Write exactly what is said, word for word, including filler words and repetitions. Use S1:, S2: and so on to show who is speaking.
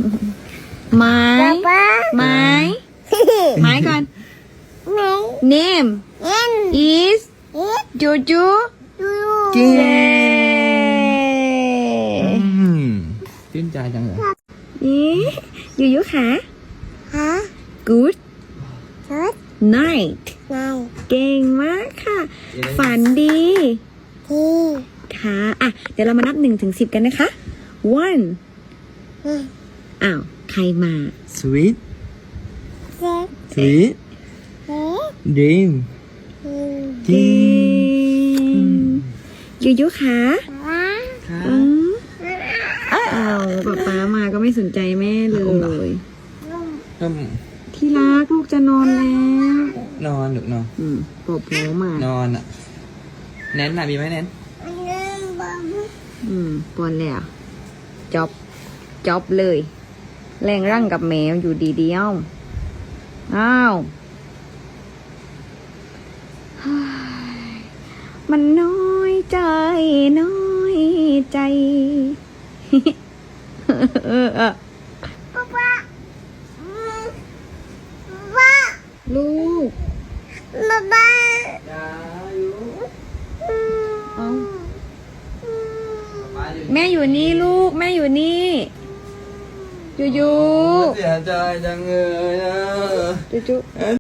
S1: ไม้ไม้ไม้ก่อน name is จูจูเย้
S2: ชื่นใจจังเลย
S1: นี่ยูยูค่ะ good night เก่งมากค่ะ ฝันดีค่ะอ่ะ เดี๋ยวเรามานับหนึ่งถึงสิบกันนะคะ one อ้าว ใครมา
S2: sweet sweet dream
S1: เก่งยูยูค่ะ
S2: ค่ะ
S1: อืมอ้าวป๊าป๊ามาก็ไม่สนใจแม่เลย
S2: อืม
S1: ที่รักลูกจะนอนแล้ว
S2: นอนหรือนอน
S1: อืมปอบหัวมาน
S2: อนอ่ะแนนน่ะมีไหมแนน
S1: อืมปอนแล้วจอบจอบเลย แรงร่างกับแมวอยู่ดีเดียวอ้าวเฮ้ยมันน้อยใจน้อยใจ เออเออลูกเอาแม่อยู่นี่ลูกแม่อยู่นี่ยูยู
S2: เสียใจจังเลยนะ
S1: ยูยู